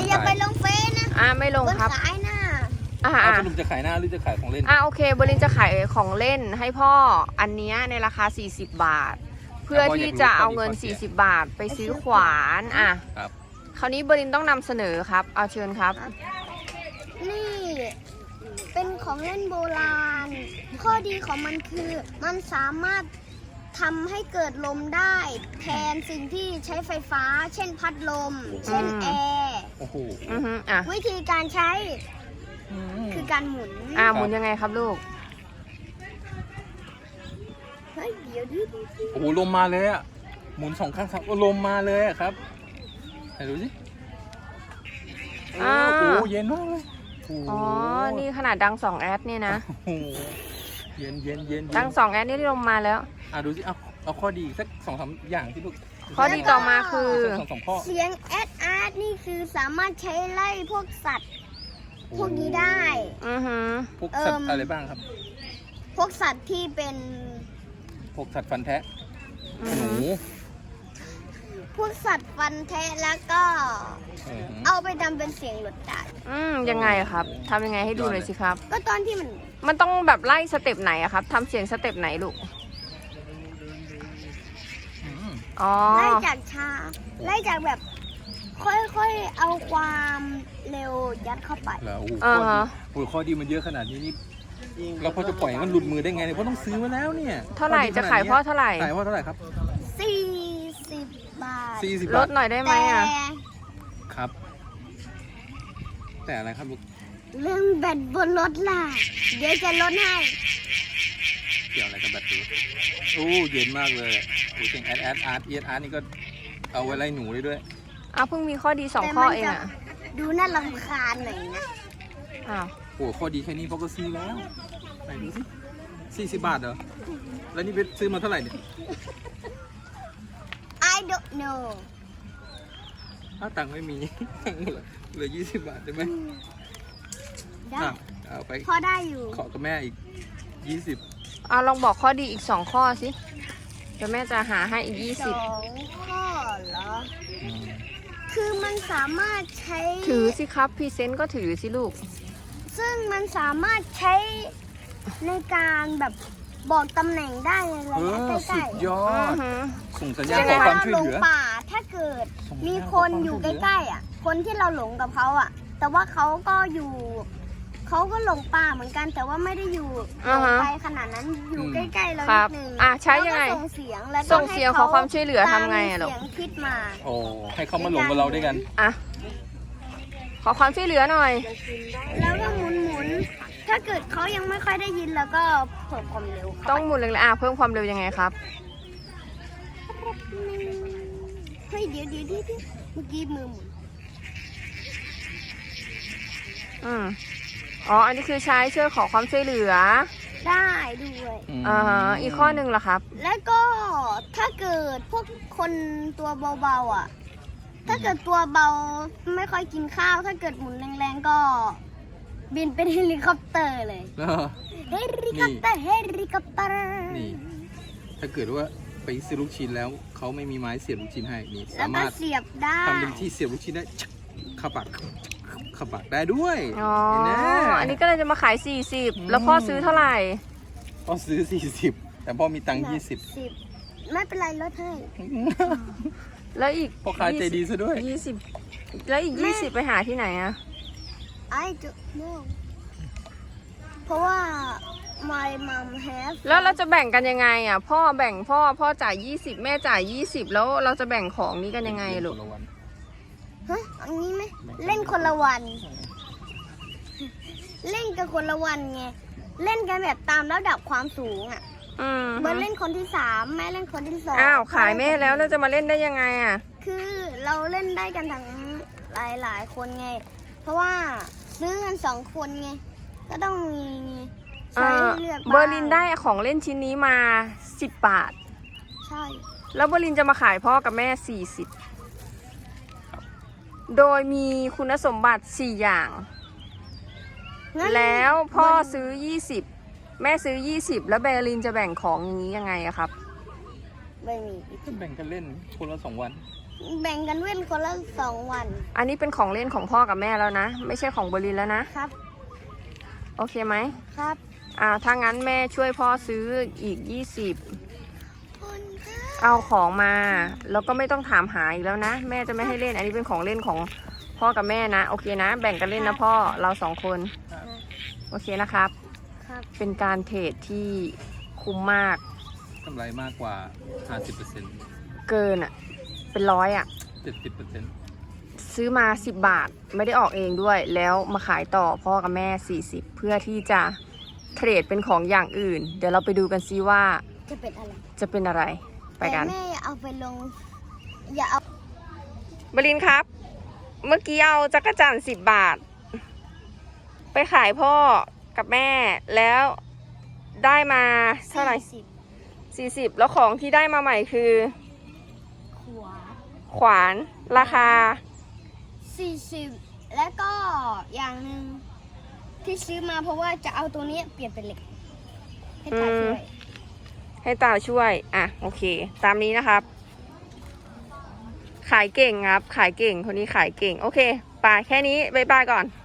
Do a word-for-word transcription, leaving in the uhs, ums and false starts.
อย่าไปลงเฟซนะอ่าไม่ลงครับขายหน้าอ่าเอาสรุปจะขายหน้าหรือจะขายของเล่นอ่าโอเคเบอร์ลินจะขายของเล่นให้พ่ออันเนี้ยในราคาสี่สิบบาท เพื่อที่จะเอาเงินสี่สิบบาทไปซื้อขวานอ่ะครับคราวนี้เบอร์ลินต้องนำเสนอครับเอาเชิญครับนี่เป็นของเล่นโบราณ ข้อดีของมันคือมันสามารถทำให้เกิดลมได้แทนสิ่งที่ใช้ไฟฟ้า เช่นพัดลม เช่นแอร์โอ้โหอือฮึอ่ะวิธีการใช้คือการหมุนอ่าหมุนยังไงครับลูกเฮ้ยเดี๋ยวดิโอ้โหลมมาเลยอ่ะหมุนสองข้างครับโอ้ลมมาเลยอะครับไหนดูสิโอ้อ่าโหเย็นมากเลยโอ้โหอ๋อนี่ขนาดดังสองแอดเนี่ยนะโอ้โหเย็นเย็นเย็นเย็นดังสองแอดนี่ลงมาแล้วอ่ะดูสิเอาเอาข้อดีสักสองสามอย่างที่ลูกข้อดีต่อมาคือสองสองข้อเสียงแอดอาร์ตนี่คือสามารถใช้ไล่พวกสัตว์ พวกนี้ได้อือฮึพวกสัตว์เอิ่มอะไรบ้างครับพวกสัตว์ที่เป็นพวกสัตว์ฟันแทะอืหอนูฮึพวกสัตว์ฟันแทะแล้วก็เออเอาไปทำเป็นเสียงหลดได้อืมยังไงครับทำยังไงให้ดูหน่อยสิครับก็ตอนที่มันมันต้องแบบไล่สเต็ปไหนอะครับทำเสียงสเต็ปไหนลูกอืมอ๋อไล่จากช้าไล่จากแบบค่อยๆเอาความเร็วยัดเข้าไปแล้วโอ้โหอ่าข้อดีฮะโอ้โหข้อดีมันเยอะขนาดนี้นี่เราพอจะปล่อยให้มันหลุดมือได้ไงเนี่ยเพราะต้องซื้อมาแล้วเนี่ยเท่าไหร่ข้อดีจะขายนดนี้พ่อเท่าไหร่ขายพ่อเท่าไหร่ครับสี่สิบบาทสี่สิบลบาดทหน่อยได้ไหมแต่อะครับ แต่อะไรครับลูกเรื่องแบตบนรถล่ะ เดี๋ยวจะลดให้เกี่ยวอะไรกับแบตเตอรี่โอ้เย็นมากเลยโอ้เสียงแอดแอดอาร์ตเอียดอาร์ตนี่ก็เอาไว้ไล่หนูได้ด้วยอ้าวเพิ่งมีข้อดีสองแต่ข้อมันเองจะอะดูน่ารำคาญหน่อยนะอ้าวโอ้ข้อดีแค่นี้พ่อก็ซื้อแล้วไหนดูสิสี่สิบบาทเหรอแล้วนี่ไปซื้อมาเท่าไหร่เนี่ย I don't know อ้าวตังค์ไม่มี ตังค์เหลือเหลือยี่สิบบาทได้ไหมได้อ้าวเอาไปพอได้อยู่ขอกับแม่อีกยี่สิบเอาลองบอกข้อดีอีกสองข้อสิเดี๋ยวแม่จะหาให้อีกยี่สสิบองข้อเหรอ คือมันสามารถใช้ถือสิครับพรีเซนต์ก็ถือสิลูกซึ่งมันสามารถใช้ในการแบบบอกตำแหน่งได้ในระเอยะอใกสุล้ดยออือดฮึส่งสัญๆญาณเวขอลาความเราช่วยหลเหงลือป่า ถ้าเกิดส่งสัญญาณมีคนขอความอยู่ช่วยเหลือใกล้ๆอ่ะ คนที่เราหลงกับเขาอ่ะ แต่ว่าเขาก็อยู่ เขาก็หลงป่าเหมือนกัน แต่ว่าไม่ได้อยู่หลอ่าง ฮะไปขนาดนั้น อยู่ใกล้ๆเราครันิบดนึงอ่ะใช้ยังไงแล้วก็ส่งเสียงแล้วก็ส่งเสียงให้ขอความช่วยเหลือทำไงอะตามลูกเสียงคิดมาโอ้ให้เขามาหลงกับเราด้วยกันอ่ะขอความช่วยเหลือหน่อยแล้วก็หมุนหมุนๆถ้าเกิดเขายังไม่ค่อยได้ยินแล้วก็เพิ่มความเร็วเข้าไปต้องหมุนเลยๆอ่ะเพิ่มความเร็วยังไงครับเฮ้ยเดี๋ยวเดี๋ยวเดี๋ยวเดี๋ยวเมื่อกี้มือหมุนอืมอ๋ออันนี้คือใช้ช่วยขอความช่วยเหลือได้ด้วยอ่าฮะอีกข้อหนึ่งล่ะครับแล้วก็ถ้าเกิดพวกคนตัวเบาๆอ่ะ ถ้าเกิดตัวเบาไม่ค่อยกินข้าว ถ้าเกิดหมุนแรงๆก็ บินเป็นเฮลิคอปเตอร์เลยแล้วเฮลิคอปเตอร์เฮลิคอปเตอร์นี่ ถ้าเกิดว่าไปซื้อลูกชิ้นแล้วเขาไม่มีไม้เสียบลูกชิ้นให้นี่แล้วสาก็มารถเสียบได้ทำเป็นที่เสียบลูกชิ้นได้เข้าปากเข้าปากได้ด้วยอ๋อเห็นไหมอันนี้ก็เลยจะมาขายสี่สิบแล้วพ่อซื้อเท่าไหร่พ่อซื้อสี่สิบแต่พ่อมีตังค์ยี่สิบสิบไม่เป็นไรลดให้แล้วอีกพ่อค้าใจดีซะด้วยยี่สิบแล้วอีกแม่ยี่สิบไปหาที่ไหนอะ I don't know เพราะว่า my mom have แล้วเราจะแบ่งกันยังไงอะพ่อแบ่งพ่อพ่อจ่ายยี่สิบแม่จ่ายยี่สิบแล้วเราจะแบ่งของนี้กันยังไงลูกคนละวันฮะอันนี้ไหมเล่นคนละวัน เล่นกันคนละวันไง เล่นกันแบบตามระดับความสูงอ่ะอืมเบิร์ดเล่นคนที่สามแม่เล่นคนที่สองอ้าวขายแม่แล้วเราจะมาเล่นได้ยังไงอะคือเราเล่นได้กันทั้งหลายหลายๆคนไง เพราะว่าซื้อกันสองคนไง ก็ต้องมีใช้อ่าเลือกเบอร์ลินได้ของเล่นชิ้นนี้มาสิบบาทใช่แล้วเบอร์ลินจะมาขายพ่อกับแม่สี่สิบโดยมีคุณสมบัติสี่อย่างงั้นแล้วพ่อเบิร์ลินซื้อยี่สิบแม่ซื้อยี่สิบแล้วเบอร์ลินจะแบ่งของอย่างนี้ยังไงอะครับไม่มีก็แบ่งกันเล่นคนละสองวันแบ่งกันเว้นคนละสองวันอันนี้เป็นของเล่นของพ่อกับแม่แล้วนะ ไม่ใช่ของบรินแล้วนะครับโอเคไหมครับอ่าถ้างั้นแม่ช่วยพ่อซื้ออีกยี่สิบคุณค่ะเอาของมา แล้วก็ไม่ต้องถามหาอีกแล้วนะ แม่จะไม่ให้เล่น อันนี้เป็นของเล่นของพ่อกับแม่นะ โอเคนะ แบ่งกันเล่นนะพ่อ เราสองคน โอเคนะครับครับเป็นการเทรดที่คุ้มมากกำไรมากกว่า ห้าสิบเปอร์เซ็นต์เกินอ่ะ เป็นร้อยอ่ะเจ็ดสิบเปอร์เซ็นต์ซื้อมาสิบบาท ไม่ได้ออกเองด้วย แล้วมาขายต่อพ่อกับแม่สี่สิบเพื่อที่จะเทรดเป็นของอย่างอื่น เดี๋ยวเราไปดูกันซิว่าจะเป็นอะไรจะเป็นอะไร ไปกันแต่แม่อย่าเอาไปลง อย่าเอาบรินครับ เมื่อกี้เอาจักรจันทร์สิบบาท ไปขายพ่อกับแม่แล้วได้มาเท่าไหร่สิบสี่สิบแล้วของที่ได้มาใหม่คือขวาขวานราคาสี่สิบแล้วก็อย่างหนึ่งที่ซื้อมาเพราะว่าจะเอาตัวนี้เปลี่ยนเป็นเหล็ก ให้ตาช่วยให้ตาช่วย อ่ะ โอเค ตามนี้นะครับ ขายเก่งครับ ขายเก่ง คนนี้ขายเก่ง โอเคไปแค่นี้ บ๊ายบายก่อน